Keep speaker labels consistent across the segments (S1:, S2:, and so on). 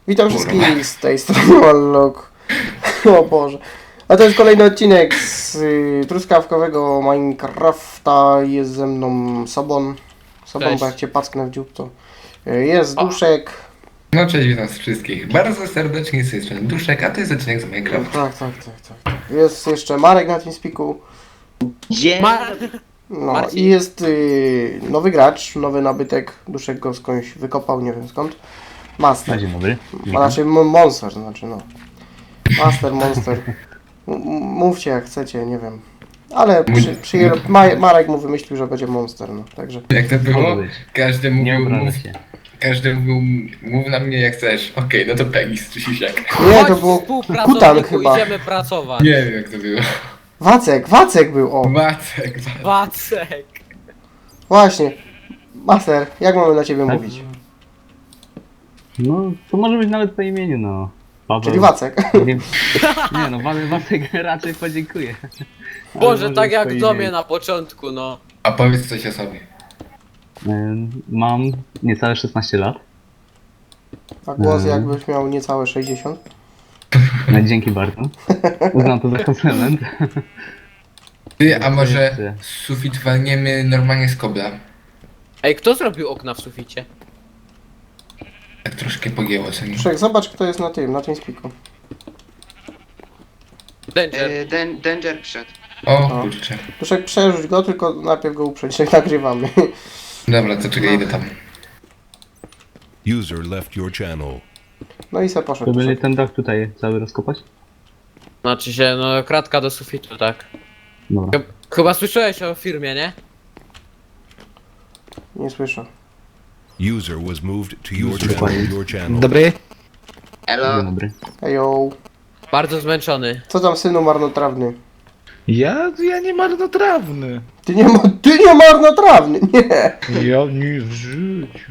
S1: Witam wszystkich z tej strony Wallok. O Boże. A to jest kolejny odcinek z truskawkowego Minecrafta. Jest ze mną Sobon. Sobon,
S2: Cześć.
S1: bo jak cię packnę w dziób, to jest Duszek.
S3: No cześć, witam wszystkich. Bardzo serdecznie z tej strony Duszek, a to jest odcinek z Minecraft.
S1: Tak. Jest jeszcze Marek na TeamSpeaku. No
S2: Marcin.
S1: i jest nowy gracz, nowy nabytek. Duszek go skądś wykopał, nie wiem skąd. Master.
S4: Dzień dobry.
S1: A raczej Monster, znaczy no. Master, Monster. Mówcie jak chcecie, nie wiem. Ale Marek mu wymyślił, że będzie Monster, no. Także.
S3: Jak to było?
S4: Może być.
S3: Każdy
S4: Nie
S3: mówił,
S4: obrażę się.
S3: każdy mówił, mów na mnie jak chcesz. Okej, no to Pegis czy Sisiak.
S1: Nie, to
S2: Chodź,
S1: było
S2: współpracowniku,
S1: Kutan chyba.
S2: idziemy pracować.
S3: Nie wiem jak to było.
S1: Wacek był, o.
S3: Wacek.
S2: Wacek.
S1: Właśnie. Master, jak mamy na ciebie
S4: Tak?
S1: mówić?
S4: No, to może być nawet po imieniu, no. Paweł.
S1: Czyli Wacek.
S4: Nie no, Wacek raczej podziękuję. Ale
S2: Boże,
S4: może
S2: tak
S4: być
S2: jak
S4: po
S2: w domie
S4: imieniu.
S2: na początku, no.
S3: A powiedz coś o sobie.
S4: Mam niecałe 16 lat.
S1: A głos jakbyś miał niecałe 60.
S4: No, dzięki bardzo. Uznam to za komplement.
S3: Ty, a może
S4: jeszcze.
S3: sufit walniemy normalnie z kobla?
S2: Ej, kto zrobił okna w suficie?
S3: Tak troszkę pogięło, co nie?
S1: Duszek, zobacz kto jest na tym spiku.
S2: Danger.
S5: Danger wszedł.
S3: O
S1: No.
S3: kurczę.
S1: Duszek, przerzuć go, tylko najpierw go uprzeć, jak nagrywamy.
S3: Dobra, to czekaj, idę tam.
S6: User left your channel.
S1: No i se
S4: To
S1: poszedł.
S4: byli
S1: Duszek.
S4: ten dach tutaj cały rozkopać?
S2: Znaczy się, no, kratka do sufitu, tak.
S4: Dobra.
S2: Chyba słyszałeś o firmie, nie?
S1: Nie słyszę.
S6: User was moved to your
S4: Dokładnie.
S6: channel. Your channel.
S7: Dobry.
S4: Dzień
S5: Elo.
S4: dobry.
S1: Ejo.
S2: Bardzo zmęczony.
S1: Co tam, synu marnotrawny?
S7: Ja nie marnotrawny.
S1: Ty nie marnotrawny, nie.
S7: Ja nie w życiu.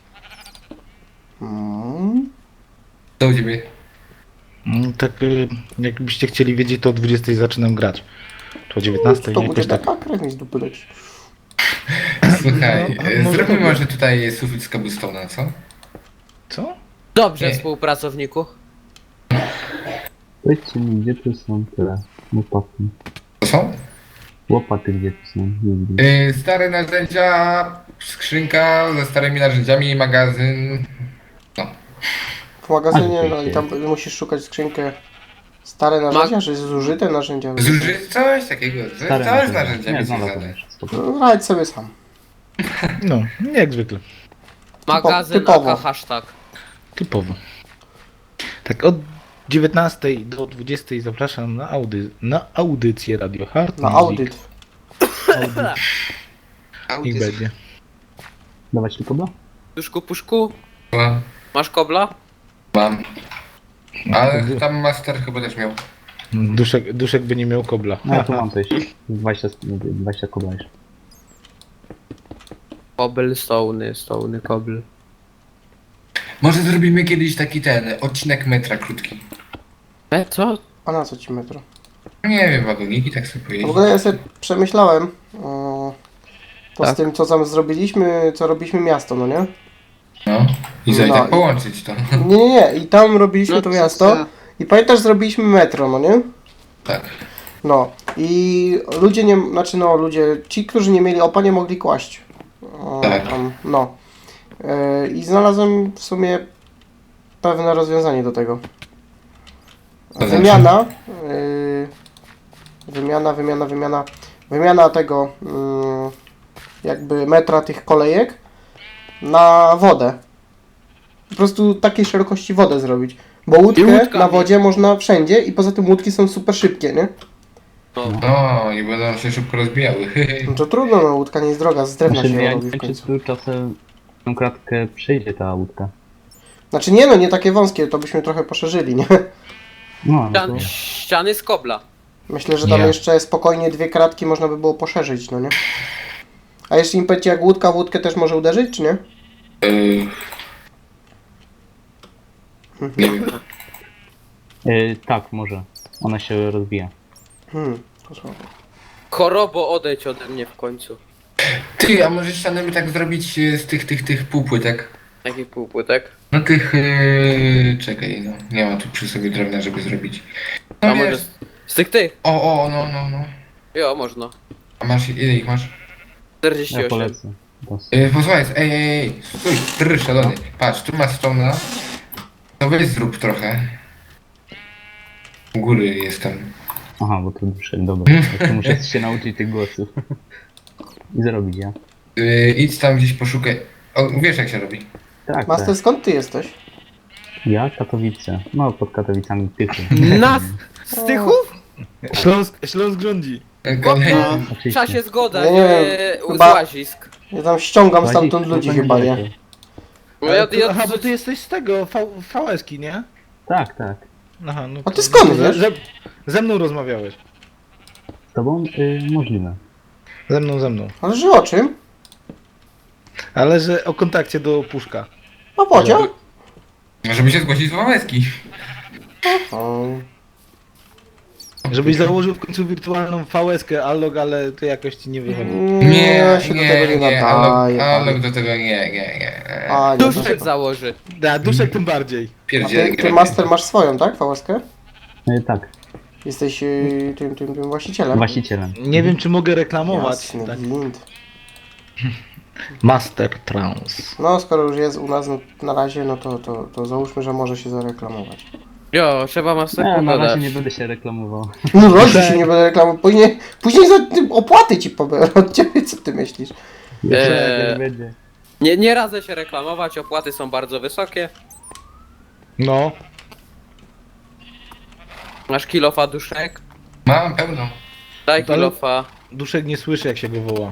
S3: Co u ciebie?
S7: Tak, jakbyście chcieli wiedzieć, to o 20 zaczynam grać. Czy o 19,
S1: To
S7: nie?
S1: będzie
S7: Jakoś tak.
S1: taka krew mi z dupy leci.
S3: Słuchaj,
S7: No, może
S3: zróbmy
S7: tak.
S3: może tutaj sufit z cobblestone'a, co?
S7: Co?
S2: Dobrze,
S3: Nie.
S2: współpracowniku.
S4: Powiedzcie mi, gdzie tu są tyle łopaty?
S3: To są?
S4: Łopaty gdzie tu są? Nie widzę.
S3: Stare narzędzia, skrzynka ze starymi narzędziami, magazyn. No.
S1: W magazynie,
S4: Ale
S1: no i
S4: wiecie.
S1: tam musisz szukać skrzynkę. Stare narzędzia, czy zużyte narzędzia?
S3: Zużyć coś takiego,
S4: Stare
S3: całe z
S4: narzędzia.
S3: narzędziami
S4: Nie,
S3: związane.
S4: znalazłem już. Spoko.
S1: No, radź sobie sam.
S7: No, nie jak zwykle.
S2: Magazyn
S1: typowo.
S2: aka hashtag.
S7: Typowo. Tak, od 19 do 20 zapraszam na audycję Radio Hard.
S1: Na
S7: Music.
S1: audyt.
S7: Niech będzie.
S4: Dawać tu kobla?
S2: Duszku, puszku,
S3: No,
S2: masz kobla?
S3: mam. Ale tam master chyba też miał.
S7: Duszek by nie miał kobla.
S4: No ja tu mam coś. 20 kobla jeszcze.
S2: Stony, kobl.
S3: Może zrobimy kiedyś taki odcinek metra krótki.
S2: Co?
S1: A na co ci metro?
S3: Nie wiem, wagoniki tak sobie
S1: W
S3: pojeździć.
S1: ogóle ja sobie przemyślałem to z
S2: Tak.
S1: tym, co tam zrobiliśmy, co robiliśmy miasto, no nie?
S3: No. I sobie
S1: No
S3: tak
S1: i-
S3: połączyć to.
S1: Nie. I tam robiliśmy
S5: No
S1: to
S5: co,
S1: miasto.
S5: co?
S1: I pamiętasz, zrobiliśmy metro, no nie?
S3: Tak.
S1: No. I ludzie nie, znaczy no ludzie, ci, którzy nie mieli opa, nie mogli kłaść.
S3: Tak.
S1: Tam, no. I znalazłem w sumie pewne rozwiązanie do tego.
S3: To
S1: Wymiana. Wymiana tego jakby metra tych kolejek na wodę. Po prostu takiej szerokości wodę zrobić. Bo łódkę
S2: łódkami.
S1: na wodzie można wszędzie i poza tym łódki są super szybkie, nie?
S3: No i będą się szybko rozbijały.
S1: No to trudno, no łódka nie jest droga, z drewna
S4: Znaczy,
S1: się
S4: ja nie
S1: robi w
S4: wiem, czy
S1: końcu.
S4: tu czasem tą kratkę przejdzie ta łódka.
S1: Znaczy nie no, nie takie wąskie, to byśmy trochę poszerzyli, nie?
S4: No, no to...
S2: Ściany z kobla.
S1: Myślę, że tam
S3: Nie.
S1: jeszcze spokojnie 2 kratki można by było poszerzyć, no nie? A jeszcze im powiecie, jak łódka w łódkę też może uderzyć, czy nie?
S3: Nie wiem.
S4: Tak, może. Ona się rozwija.
S1: To słabo.
S2: Chorobo, odejdź ode mnie w końcu.
S3: Ty, a może ściany by tak zrobić z tych półpłytek?
S2: Takich półpłytek.
S3: No No tych... czekaj, no. Nie ma tu przy sobie drewna, żeby zrobić. No
S2: A może
S3: wiesz.
S2: z tych?
S3: No.
S2: Jo, można.
S3: A masz, ile ich masz?
S2: 48.
S4: Ja polecę.
S3: Posłuchaj, ej, stój, szalony. Patrz, tu masz stona. No weź zrób trochę. U góry jestem.
S4: Aha, bo to duszek, dobra. To muszę się nauczyć tych głosów. I zrobić, ja.
S3: Idź tam gdzieś poszukaj. O, wiesz jak się robi.
S4: Tak,
S1: Master,
S4: tak.
S1: skąd ty jesteś?
S4: Ja, Katowice. No, pod Katowicami Tychy.
S2: Nas! Z Tychów?
S7: Śląsk rządzi.
S3: Kolejny.
S2: W
S4: Oczywiście.
S2: czasie zgoda,
S1: Ja nie
S2: nie
S1: wiem,
S2: z
S1: chyba-
S2: łazisk.
S1: Ja tam ściągam
S4: Łazisk,
S1: stamtąd
S4: no
S1: ludzi
S4: to
S1: chyba, nie?
S4: daleko.
S2: Bo ja,
S7: Aha, bo ty jesteś z tego, VS-ki, nie?
S4: Tak, tak.
S7: Aha, no
S1: A ty
S7: to-
S1: skąd
S7: to
S1: wiesz?
S7: Ze mną rozmawiałeś.
S4: Z tobą? Możliwe.
S7: Ze mną.
S1: Ale że o czym?
S7: Ale że o kontakcie do Puszka.
S1: O pociąg?
S3: Żeby się zgłosić do łezki.
S1: O,
S7: Żebyś założył w końcu wirtualną VS-kę, Allog, ale to jakoś ci nie wychodzi.
S1: ja się do tego nie nadaję.
S3: Alok do tego nie.
S1: A, nie,
S2: Duszek założy.
S7: Da, Duszek tym bardziej.
S1: A
S3: Pierdzielę.
S1: ty Master masz swoją, tak? VSK?
S4: Tak,
S1: Jesteś tym właścicielem?
S4: właścicielem.
S7: Nie wiem, czy mogę reklamować.
S1: Jasny
S7: Tak.
S1: gwint.
S7: Master Trans.
S1: No, skoro już jest u nas na razie, no to załóżmy, że może się zareklamować.
S2: Jo, trzeba Master
S4: Nie, na
S2: pogadać.
S4: razie nie będę się reklamował.
S1: No rodzic się nie będę reklamował, później za tym opłaty ci pobiorę od ciebie, co ty myślisz?
S4: Nie będzie.
S2: Nie radzę się reklamować, opłaty są bardzo wysokie.
S7: No.
S2: Masz kilofa duszek?
S3: Mam pełno.
S2: Daj
S7: Ale-
S2: kilofa.
S7: Duszek nie słyszy, jak się go woła.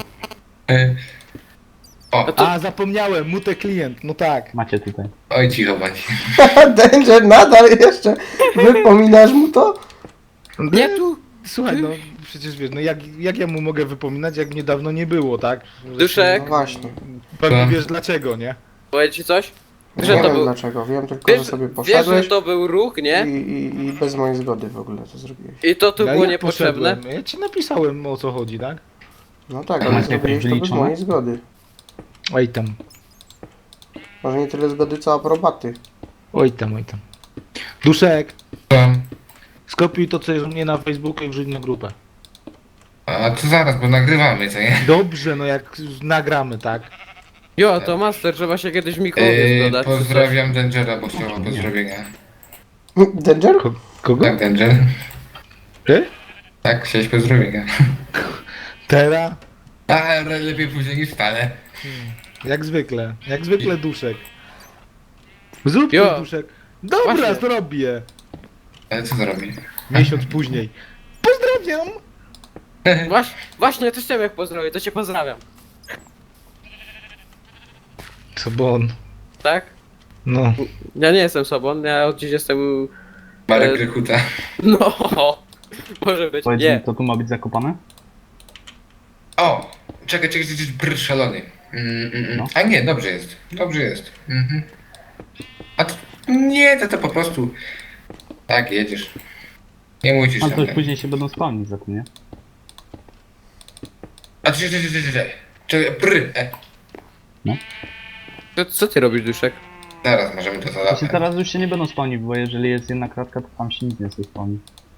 S3: O,
S7: A, zapomniałem, mute klient, no tak.
S4: Macie tutaj.
S3: oj cicho bądź.
S1: Danger, nadal jeszcze wypominasz mu to?
S2: Nie tu!
S7: Słuchaj, no przecież wiesz, no jak ja mu mogę wypominać, jak mnie dawno nie było, tak?
S2: Duszek.
S1: No właśnie.
S7: Pewnie wiesz dlaczego, nie?
S2: Powiedz ci coś?
S1: Nie
S2: Że to
S1: wiem
S2: był...
S1: dlaczego, wiem tylko, że
S2: Wiesz,
S1: sobie
S2: wiesz, że
S1: poszedłeś
S2: to był ruch, nie?
S1: i bez mojej zgody w ogóle to zrobiłeś.
S2: I to tu
S7: Ja
S2: było
S7: jak
S2: niepotrzebne.
S7: poszedłem? Ja ci napisałem, o co chodzi, tak?
S1: No tak,
S4: To
S1: ale
S4: macie
S1: zrobiłeś
S4: jakoś
S1: to bez
S4: wyliczone?
S1: mojej zgody.
S7: Oj tam,
S1: Może nie tyle zgody, co aprobaty.
S7: oj tam, oj tam. Duszek,
S3: Mam.
S7: skopiuj to, co jest u mnie na Facebooku i wrzuć na grupę.
S3: A to zaraz, bo nagrywamy, co nie?
S7: Dobrze, no jak nagramy, tak?
S2: Jo, to Master, trzeba się kiedyś w mikrowie dodać. czy coś.
S3: Pozdrawiam Dangera, bo chciał pozdrowienia.
S1: Danger?
S7: Kogo?
S3: Tak, Danger.
S7: Ty?
S3: Tak, chciałeś pozdrowienia.
S7: Tera?
S3: A, lepiej później niż wcale.
S7: Jak zwykle Duszek. Zrób
S2: Jo.
S7: to, Duszek. Dobra,
S2: Właśnie.
S7: zrobię.
S3: Ale co zrobi?
S7: Miesiąc później. Pozdrawiam!
S2: Właśnie, to ciebie pozdrowię, to cię pozdrawiam.
S7: Sobon.
S2: Tak?
S7: No.
S2: Ja nie jestem sobą, ja od dziś jestem...
S3: Marek Rychuta.
S2: No, może być,
S4: Powiedz
S2: nie.
S4: mi, to tu ma być zakopane?
S3: O! Czekaj, brr, szalony.
S4: No.
S3: A nie, dobrze jest. Dobrze jest. Mhm. A to, nie, to po prostu... Tak, jedziesz. Nie musisz
S4: A
S3: tam.
S4: to już później się będą spawnić za tym, nie?
S3: A czekaj, brr,
S2: Co ty robisz, Duszek?
S3: Zaraz możemy to
S4: Właśnie
S3: załatwić.
S4: teraz już się nie będą spawnić, bo jeżeli jest jedna kratka, to tam się nic nie spawni.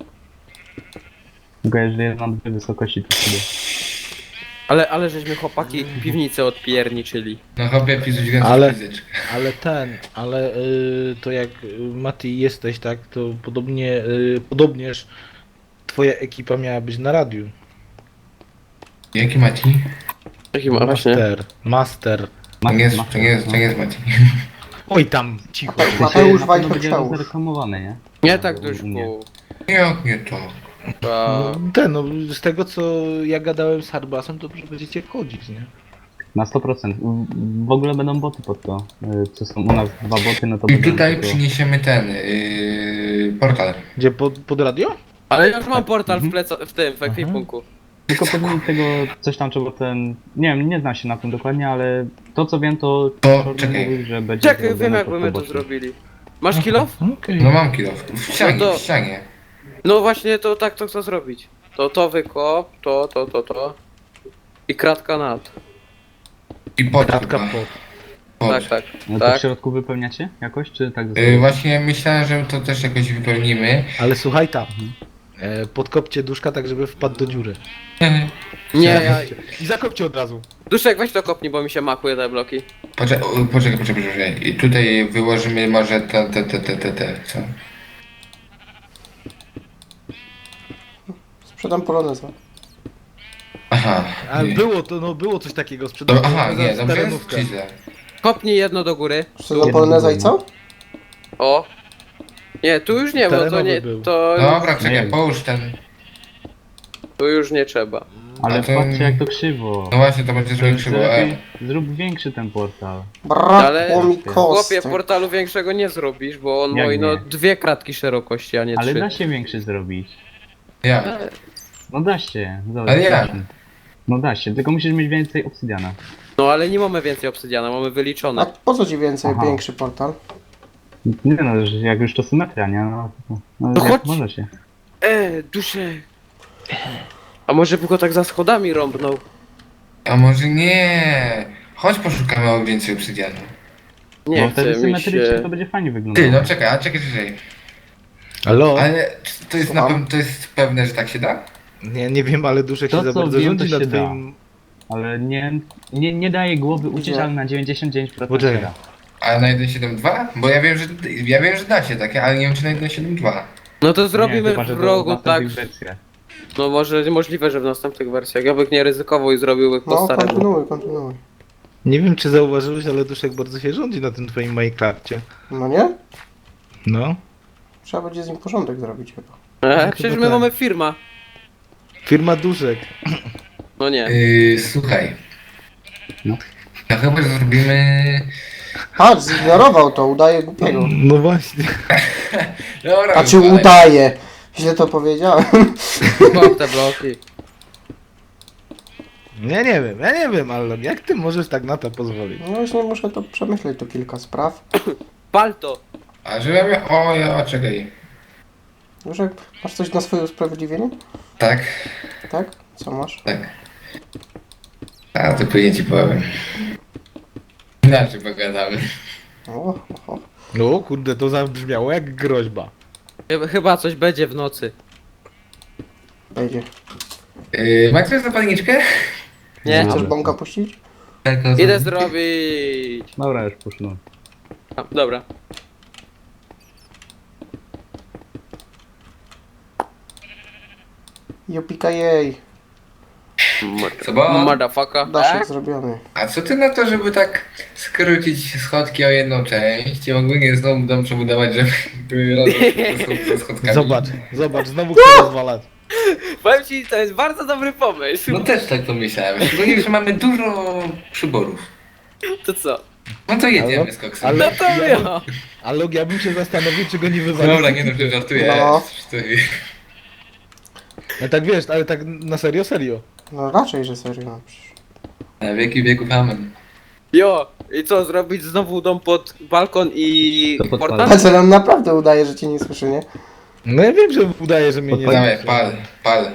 S4: Tylko jeżeli jest na dwie wysokości, to wtedy.
S2: Ale żeśmy chłopaki piwnicę odpierniczyli.
S3: No chłopie, pizuć więcej
S7: Ale-
S3: fizycz.
S7: Ale to jak Mati jesteś, tak, to podobnież twoja ekipa miała być na radiu.
S3: Jaki Maci?
S2: Jaki ma właśnie?
S7: Master.
S3: To nie jest Maci.
S7: Oj tam, cicho.
S1: Mateusz
S4: Na pewno
S1: Wajchor
S4: będzie
S1: Kształt.
S4: zareklamowane, nie?
S2: Nie tak,
S4: U mnie.
S2: Duszku.
S3: Jak nie to?
S7: No, z tego co ja gadałem z Harbasem, to że będziecie chodzić, nie?
S4: Na 100%. W ogóle będą boty pod to. Co są u nas dwa boty, no to
S3: I
S4: będą
S3: tutaj
S4: tylko-
S3: przyniesiemy ten portal.
S7: Gdzie, pod radio?
S2: Ale ja już mam portal w tym, w ekwipunku.
S4: Tylko pewnie tego coś tam trzeba ten... Nie wiem, nie znam się na tym dokładnie, ale to co wiem to...
S3: To,
S4: Czorny
S3: czekaj.
S4: mówił, że będzie
S2: Czekaj, wiem
S4: zrobione
S2: jakby
S4: pod
S2: my to
S4: boty.
S2: zrobili. Masz kilof?
S7: Okej.
S3: No mam kilo. W ścianie,
S2: No to-
S3: w ścianie.
S2: No właśnie, to tak to chcę zrobić. To wykop, to. I kratka nad.
S3: I pod
S7: Kratka
S3: chyba.
S7: pod.
S2: Tak, tak.
S4: No to
S2: Tak.
S4: w środku wypełniacie jakoś, czy tak
S3: Właśnie myślałem, że to też jakoś wypełnimy.
S7: Ale słuchaj tam. Podkopcie duszka tak, żeby wpadł do dziury.
S2: Nie, ja...
S7: I zakopcie od razu.
S2: Duszek, weź to kopnij, bo mi się makuje te bloki.
S3: Poczekaj. I tutaj wyłożymy może te, co?
S1: Sprzedam poloneza.
S3: Aha.
S7: A
S3: nie.
S7: było coś takiego sprzedane.
S3: Aha, nie, dobrze jest? Czy źle?
S2: Kopnij jedno do góry.
S1: Sprzedam poloneza i co?
S2: O. Nie, tu już nie, bo to
S7: Terenowy
S2: nie,
S7: był.
S2: to,
S3: Dobra, czekaj,
S4: Nie.
S3: połóż ten.
S2: tu już nie trzeba.
S4: Ale
S3: A to-
S4: patrzcie jak to krzywo.
S3: No właśnie, to będzie trochę krzywo.
S4: Zrób większy ten portal.
S1: Brakło mi
S2: Chłopie,
S1: kostek.
S2: portalu większego nie zrobisz, bo on
S4: Jak
S2: moi, no
S4: nie?
S2: 2 kratki szerokości, a nie 3.
S4: Ale da się większy zrobić.
S3: Ja.
S4: No da się. Zobacz,
S3: Ale jak?
S4: da się. No da się, tylko musisz mieć więcej obsydiana.
S2: No ale nie mamy więcej obsydiana, mamy
S1: A
S2: wyliczone.
S1: po co ci więcej,
S4: Aha.
S1: większy portal?
S4: Nie no, że jak już to symetria, nie? No,
S2: No
S4: jak
S2: chodź.
S4: może się.
S2: Duszek. A może by go tak za schodami rąbnął?
S3: A może nie? Chodź poszukamy więcej obsydianu.
S2: Nie
S4: Bo wtedy
S2: chce mi
S4: symetrycznie
S2: się...
S4: to będzie fajnie
S3: Ty,
S4: wyglądało.
S3: no czekaj.
S7: Halo?
S3: Ale czy to jest na pewno, to jest pewne, że tak się da?
S7: Nie wiem, ale duszek
S4: To,
S7: się za
S4: co
S7: bardzo
S4: wiem,
S7: rządzi
S4: to
S7: na
S4: się da.
S7: twoim...
S4: Ale nie daje głowy uciec,
S1: Nie.
S4: ale na 99%
S7: Poczekaj.
S4: się da.
S3: A na 1.7.2? Bo ja wiem, że da się takie, ale nie wiem czy na 1.7.2.
S2: No to
S4: Nie,
S2: zrobimy
S4: chyba, że
S2: w
S4: to
S2: rogu
S4: w
S2: tak.
S4: następnych wersjach.
S2: No może możliwe, że w następnych wersjach. Ja bym nie ryzykował i zrobił po
S1: No,
S2: staremu.
S1: kontynuuj.
S7: Nie wiem, czy zauważyłeś, ale duszek bardzo się rządzi na tym twoim Minecrafcie.
S1: No nie?
S7: No.
S1: Trzeba będzie z nim porządek zrobić chyba.
S2: Przecież
S7: chyba
S2: my
S7: tak.
S2: mamy firma.
S7: Firma duszek.
S2: No nie.
S3: Słuchaj.
S4: No.
S3: No chyba że zrobimy...
S1: Patrz, zignorował to, udaje głupiego.
S7: No właśnie.
S3: Dobra,
S1: A czy
S3: ale-
S1: udaje? Źle to powiedziałem.
S2: Kop te bloki.
S7: Ja nie wiem, ale jak ty możesz tak na to pozwolić?
S1: No właśnie muszę to przemyśleć, to kilka spraw.
S2: Pal to.
S3: A że ja miałem... O, ja, czekaj.
S1: Duszek, masz coś na swoje usprawiedliwienie?
S3: Tak,
S1: Tak? Co masz?
S3: tak. A, to później ci powiem. Inaczej pogadamy.
S1: O.
S7: No kurde, to zabrzmiało jak groźba.
S2: Chyba coś będzie w nocy.
S1: Będzie.
S3: Macie coś zapalniczkę?
S2: Nie?
S1: Chcesz
S4: Dobra.
S1: bąka puścić?
S3: Tak,
S2: Idę zrobić.
S4: Dobra, już poszło.
S2: A, dobra.
S1: Jopika jej.
S3: Co bo?
S2: Motherfucker.
S1: Daszek zrobiony.
S3: A co ty na to, żeby tak skrócić schodki o jedną część i ogólnie znowu dom przebudować, żeby były razem ze schodkami?
S7: Zobacz, znowu chcę rozwalać.
S2: Powiem ci, to jest bardzo dobry pomysł.
S3: No też tak to myślałem. Szczególnie, że mamy dużo przyborów.
S2: To co?
S3: No to jedziemy z koksem.
S2: No to ja.
S7: Ale ja bym się zastanowił, czy go nie wywalić.
S3: Dobra, nie no, że żartuję.
S1: No.
S7: No tak wiesz, ale tak na serio.
S1: No raczej, że serio. No, przecież.
S3: Na wieki wieków amen.
S2: Jo, i co, zrobić znowu dom pod balkon i
S4: To podpalę.
S2: portal?
S1: Patrz, ale on naprawdę udaje, że cię nie słyszy, nie?
S7: No ja wiem, że udaje, że mnie nie
S3: Dawaj, pal.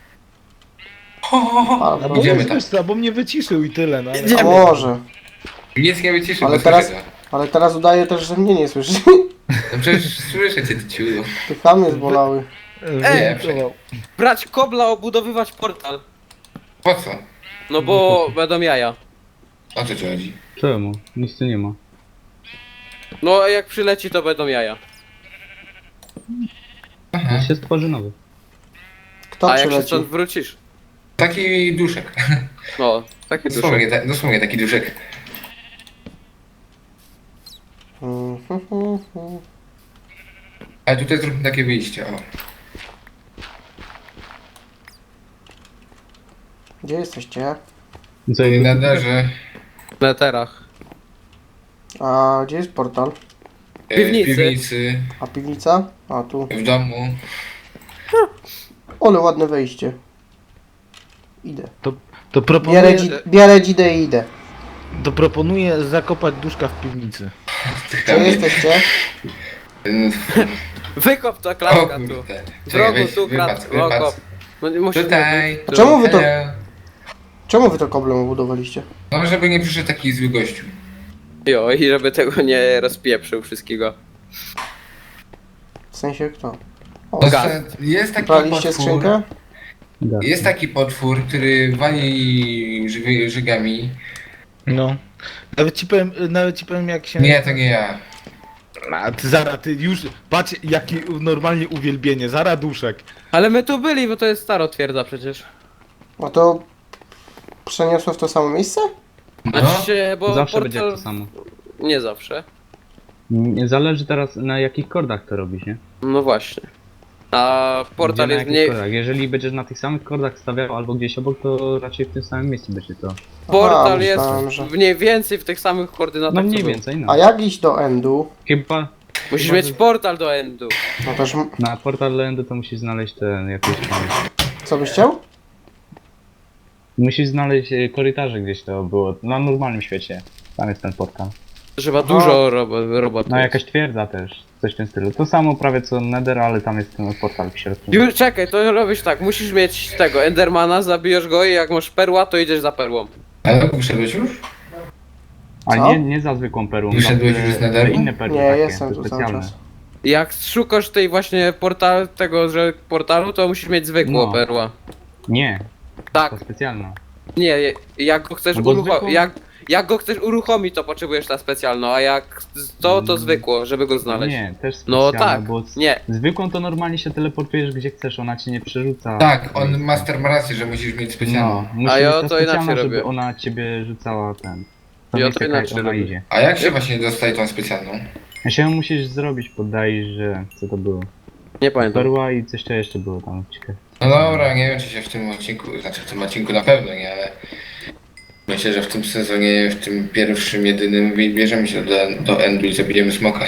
S1: A,
S7: No bo
S3: Idziemy
S7: wiesz,
S3: tam.
S7: wiesz co, bo mnie wyciszył i tyle, no.
S1: a może.
S3: Nic nie wyciszy,
S1: Ale
S3: bo
S1: teraz-
S3: słyszę go.
S1: Ale teraz udaje też, że mnie nie słyszy.
S3: No przecież słyszę cię, ty ciulu.
S1: Te chamy zbolały.
S7: Wyimitował.
S2: Brać kobla, obudowywać portal.
S3: Po co?
S2: No bo będą jaja.
S3: O co ci chodzi?
S4: Czemu? Nic tu nie ma.
S2: No a jak przyleci, to będą jaja.
S3: Aha.
S4: To się stworzy nowy.
S1: Kto
S2: A jak się
S1: przyleci?
S2: stąd wrócisz?
S3: Taki duszek.
S2: No, takie dusze.
S3: Dosłownie taki duszek. Ale tutaj zróbmy takie wyjście, o.
S1: Gdzie jesteście?
S4: Co,
S3: I na darze.
S2: W neterach.
S1: A gdzie jest portal?
S2: Piwnicy.
S3: W piwnicy,
S1: A piwnica? A tu.
S3: w domu.
S1: Ole, ładne wejście. Idę.
S7: To proponuję,
S1: Bierę dzidę i idę.
S7: to proponuję zakopać duszka w piwnicy.
S1: Gdzie jesteście?
S2: Wykop ta
S3: O
S2: klatka tu.
S3: kurde.
S2: W
S3: Czekaj,
S2: rogu
S3: weź,
S2: tu
S3: wypadł.
S2: kop. No nie musisz
S3: Tutaj.
S1: A czemu wy to...
S3: Hello.
S1: Czemu wy to koblem obudowaliście?
S3: No żeby nie przyszedł taki zły gościu.
S2: Jo, i żeby tego nie rozpieprzył wszystkiego.
S1: W sensie kto? O,
S3: To
S2: Gaz.
S3: jest taki
S1: braliście
S3: potwór,
S1: skrzynkę?
S3: jest taki potwór, który wali żygami.
S7: No. Nawet ci powiem jak się...
S3: Nie, to nie ja.
S7: A ty Zara, ty już... Patrz jakie normalnie uwielbienie. Zara duszek.
S2: Ale my tu byli, bo to jest staro twierdza przecież.
S1: No to przeniosło w to samo miejsce?
S3: No.
S2: Znaczy się, bo
S4: Zawsze będzie
S2: portal...
S4: to samo.
S2: Nie zawsze.
S4: Nie zależy teraz na jakich kordach to robisz, nie?
S2: No właśnie. A portal
S4: Gdzie, na
S2: jest
S4: jakich
S2: mniej...
S4: kordach. Jeżeli będziesz na tych samych kordach stawiał albo gdzieś obok, to raczej w tym samym miejscu będzie to.
S2: Portal
S1: Aha,
S2: jest
S1: myślałem, że-
S2: mniej więcej w tych samych koordynatach
S4: No
S2: co
S4: mniej
S2: był.
S4: więcej, no.
S1: A jak iść do endu?
S4: Chyba
S2: Musisz
S4: Chyba,
S2: mieć
S4: że-
S2: portal do endu.
S1: No też,
S4: na portal Landu to musisz znaleźć ten jakiś tam.
S1: co byś chciał?
S4: Musisz znaleźć korytarze gdzieś to było. Na normalnym świecie. Tam jest ten portal.
S2: Trzeba
S1: Aha.
S2: dużo robotów.
S4: No jakaś twierdza też. Coś w tym stylu. To samo prawie co Nether, ale tam jest ten portal w środku.
S2: Już czekaj, to robisz tak, musisz mieć tego Endermana, zabijesz go i jak masz perła, to idziesz za perłą.
S3: Ale wyszedłeś już?
S4: A
S1: Co?
S4: nie za zwykłą perłą.
S3: Wyszedłeś
S4: za
S3: już z Netheru?
S4: inne perły
S1: Nie,
S4: takie,
S1: jestem
S4: te
S1: tu cały
S4: specjalne.
S1: czas.
S2: Jak szukasz tej właśnie tego, że portalu, to musisz mieć zwykłą
S4: No.
S2: perła.
S4: Nie,
S2: Tak,
S4: to specjalna.
S2: nie, jak go chcesz
S4: No bo zwykłą-
S2: jak go chcesz uruchomić, to potrzebujesz na specjalną, a jak to zwykło, żeby go znaleźć.
S4: Nie, też
S2: No
S4: specjalna,
S2: tak,
S4: bo
S2: nie.
S4: zwykłą to normalnie się teleportujesz gdzie chcesz, ona cię nie przerzuca.
S3: Tak, on master ma rację, że musisz mieć specjalną.
S4: No, musisz
S2: A ja
S4: mieć
S2: to inaczej
S4: specjalną, żeby
S2: robię.
S4: ona ciebie rzucała ten. To
S2: Ja
S4: miejsce,
S2: to
S4: jak
S2: inaczej
S4: ona
S2: robię.
S4: idzie.
S3: A jak się właśnie dostaje tą specjalną?
S4: A się ją musisz zrobić, poddaj, że co to było?
S2: Nie pamiętam.
S4: Perła i coś to jeszcze było tam ciekawe.
S3: No dobra, nie wiem czy się w tym odcinku, znaczy w tym odcinku na pewno nie, ale myślę, że w tym sezonie, w tym pierwszym, jedynym bierzemy się do endu i zabijemy smoka.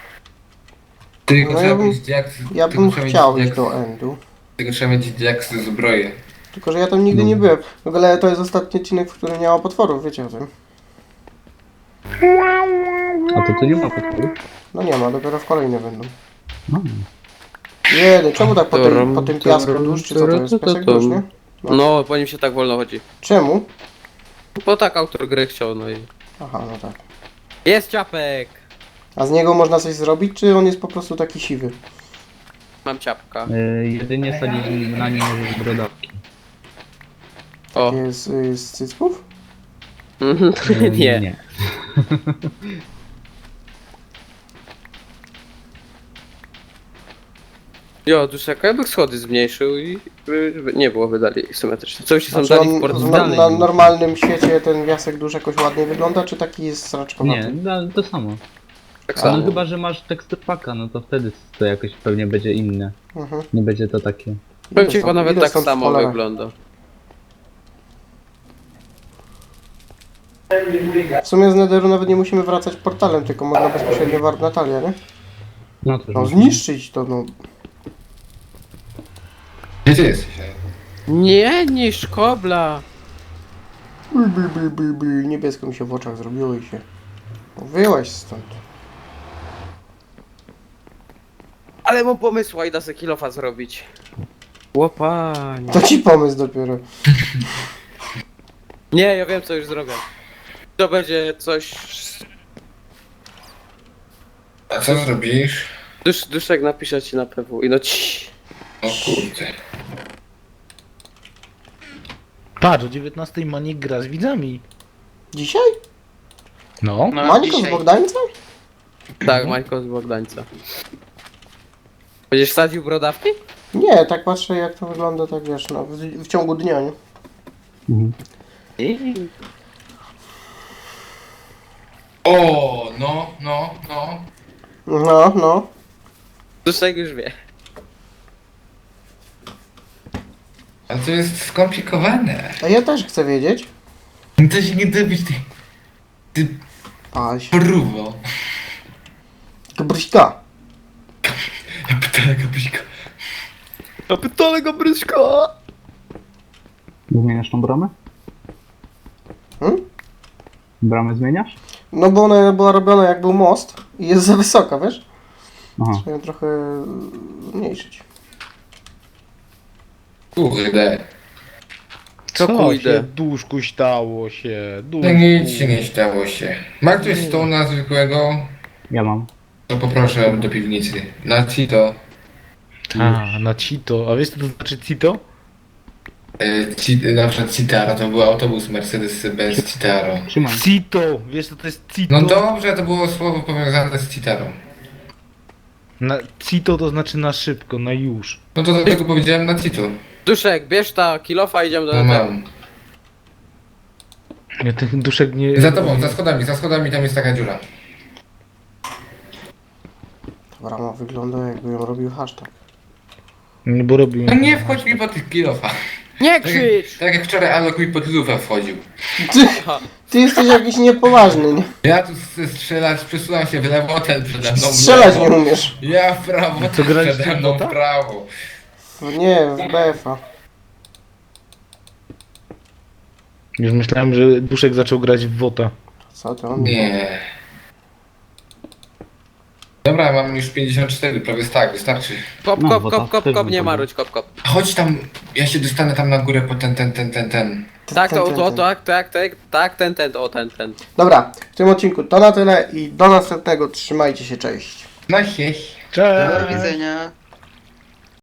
S3: Tylko
S1: No
S3: trzeba
S1: ja bym-
S3: mieć jak,
S1: Ja
S3: tylko
S1: bym
S3: trzeba mieć
S1: chciał
S3: jak-
S1: iść do endu.
S3: Tylko trzeba mieć jak zbroję.
S1: Tylko, że ja tam nigdy nie byłem. W ogóle to jest ostatni odcinek, w którym nie ma potworów, wiecie o tym.
S4: A to tu nie ma podpowiedzi?
S1: No nie ma, dopiero w kolejne będą.
S4: No.
S1: Jedy, czemu tak po tym piasku dusz, czy co to jest? Piasek dusz, nie?
S2: No, po nim się tak wolno chodzi.
S1: Czemu?
S2: Bo tak autor gry chciał, no i...
S1: Aha, no tak.
S2: Jest ciapek!
S1: A z niego można coś zrobić, czy on jest po prostu taki siwy?
S2: Mam ciapka.
S4: Jedynie sadzić na nim możesz brodawki.
S2: O.
S1: Jest z cycków?
S2: Nie.
S4: Nie.
S2: Jo, duszek, jakby schody zmniejszył i żeby nie było wydali symetrycznie. Co się są
S1: Znaczy
S2: dali w
S1: on
S2: portalu?
S1: na normalnym świecie ten piasek dusz jakoś ładnie wygląda, czy taki jest sraczkowaty?
S4: Nie, to samo.
S2: Tak
S4: A
S2: samo.
S4: no chyba, że masz tekstur paka, no to wtedy to jakoś pewnie będzie inne.
S1: Mhm.
S4: Nie będzie to takie.
S2: Powiem ci,
S1: Ile
S2: bo nawet
S1: ile
S2: tak
S1: stąd
S2: samo
S1: cholera?
S2: wygląda.
S1: W sumie z Netheru nawet nie musimy wracać portalem, tylko można bezpośrednio warp Natalia, nie?
S4: No to
S1: No zniszczyć to, no.
S3: Gdzie ty jesteś?
S2: Nie, niż kobla!
S1: Niebiesko mi się w oczach zrobiło i się... No, wyłaź stąd.
S2: Ale mam pomysł, idę se kilofa zrobić. Łopanie.
S1: To ci pomysł dopiero.
S2: Nie, ja wiem co już zrobię. To będzie coś...
S3: A co zrobisz?
S2: Duszek napisze ci na PW i no ci.
S3: O kurde.
S7: Patrz, o 19 Manik gra z widzami.
S1: Dzisiaj?
S7: No.
S5: No,
S1: Mańko z
S5: dzisiaj.
S1: Bogdańca?
S2: Tak, Majko z Bogdańca. Będziesz sadził brodawki?
S1: Nie, tak patrzę jak to wygląda, tak wiesz, no, w ciągu dnia, nie?
S4: Mhm.
S3: O, no.
S1: No, no.
S2: Duszek już wie.
S3: A to jest skomplikowane.
S1: A ja też chcę wiedzieć.
S3: To się nie da być ty
S1: Paś.
S3: próbo.
S1: Gabryśka.
S3: Ja pytałem Gabrika.
S2: A pytale go bryszko!
S4: Zmieniasz tą bramę?
S1: Hmm?
S4: Bramę zmieniasz?
S1: No bo ona była robiona jak był most i jest za wysoka, wiesz?
S4: Aha.
S1: Trzeba ją trochę zmniejszyć.
S3: Kurde.
S2: Co
S7: się
S2: pójdę?
S7: duszku stało się? Duszku.
S3: No nic się nie stało się. Ma ktoś stona zwykłego?
S4: Ja mam.
S3: To poproszę do piwnicy. Na Cito.
S7: A, na Cito. A wiesz co to znaczy Cito?
S3: Na przykład Citaro, to był autobus Mercedes-Benz Citaro.
S4: Trzymaj.
S7: Cito! Wiesz co to jest Cito?
S3: No dobrze, to było słowo powiązane z Citaro.
S7: Na Cito to znaczy na szybko, na już.
S3: No to dlatego powiedziałem na Cito.
S2: Duszek, bierz ta kilofa, idziemy do
S3: No
S2: Netheru.
S3: mam.
S7: Ja ten duszek nie...
S3: Za tobą, za schodami tam jest taka dziura.
S1: Brama wygląda jakby ją robił hashtag.
S7: Nie, bo robił...
S3: No nie wchodź mi po tych kilofa.
S2: Nie
S3: Tak,
S2: krzycz!
S3: tak jak wczoraj Alok mi pod lufę wchodził.
S1: Ty jesteś jakiś niepoważny, nie?
S3: Ja tu chcę strzelać, przesuwam się w lewo, ten przede mną w
S1: Strzelać
S3: lewo.
S1: nie umiesz.
S3: Ja w prawo,
S7: Co,
S3: ten
S7: graliście
S3: przede
S7: w
S3: mną
S7: bota?
S3: w prawo.
S1: Nie, w BF-a.
S7: Już myślałem, że duszek zaczął grać w WOTA.
S1: Co to on?
S3: Nie. Dobra, mam już 54, prawie tak, wystarczy.
S2: Kop,
S4: No,
S2: kop,
S4: bo
S2: kop,
S4: to
S2: kop,
S4: też
S2: kop, nie
S4: bym
S2: maruć, kop, kop.
S3: Chodź tam, ja się dostanę tam na górę po ten.
S2: Tak, ten.
S1: Dobra, w tym odcinku to na tyle i do następnego. Trzymajcie się, cześć.
S3: Na hieś.
S5: Do
S7: Cześć!
S5: widzenia.